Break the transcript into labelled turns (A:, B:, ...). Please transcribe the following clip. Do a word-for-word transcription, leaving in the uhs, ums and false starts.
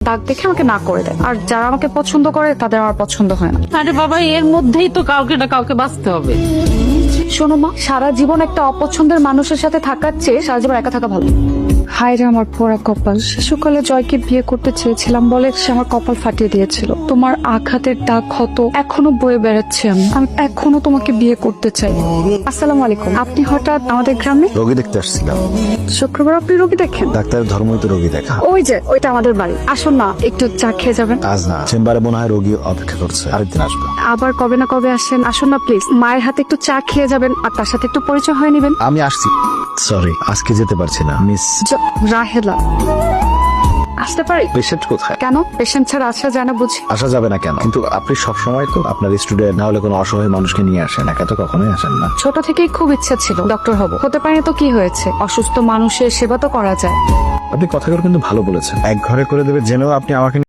A: দাগ দেখে আমাকে না করে দেয়, আর যারা আমাকে পছন্দ করে তাদের আমার পছন্দ হয় না।
B: আরে বাবা, এর মধ্যেই তো কাউকে না কাউকে বাঁচতে হবে।
A: শোনো মা, সারা জীবন একটা অপছন্দের মানুষের সাথে থাকার চেয়ে সারা জীবন একা থাকা ভালো। হায় রে আমার পোড়া কপাল, শিশুকালে জয়কে বিয়ে করতে চেয়েছিলাম বলে সে আমার কপাল ফাটিয়ে দিয়েছিল। তোমার আঘাতের দাগ ক্ষত এখনো বয়ে বেড়াচ্ছে, আমি আমি এখনো তোমাকে বিয়ে করতে চাই। আসসালামু আলাইকুম, আপনি হঠাৎ আমাদের গ্রামে?
C: রোগী দেখতে আসছিলাম।
A: শুক্রবার আপনি রোগী দেখেন?
C: ডাক্তারের ধর্মই তো রোগী দেখা।
A: ওই যে ওইটা আমাদের বাড়ি, আসুন না একটু চা খেয়ে যাবেন।
C: আজ না, চেম্বারে মনে হয় রোগী অপেক্ষা করছে, আরেকদিন আসবে।
A: আবার কবে না কবে আসেন, আসুন না প্লিজ। মায়ের হাতে একটু চা খেয়ে যাবেন আর তার সাথে একটু পরিচয় হয়ে নেবেন।
C: আমি আসছি। সরি, আজকে যেতে পারছি না মিস।
A: জ- রাহেলা, আসতে পারি?
C: পেশেন্ট কোথায়?
A: কেন, পেশেন্ট ছাড়া আসা যায় না বুঝি?
C: আসা যাবে না কেন? কিন্তু আপনি সবসময় তো আপনার স্টুডেন্ট না হলে কোনো অসহায় মানুষকে নিয়ে আসেন, একা তো কখনোই আসেন না।
A: ছোট থেকেই খুব ইচ্ছা ছিল ডক্টর হব, হতে পারি তো কি হয়েছে, অসুস্থ মানুষের সেবা তো করা যায়।
C: আপনি কথাগুলো কিন্তু ভালো বলেছেন। এক ঘরে করে দেবে জেনেও আপনি আমাকে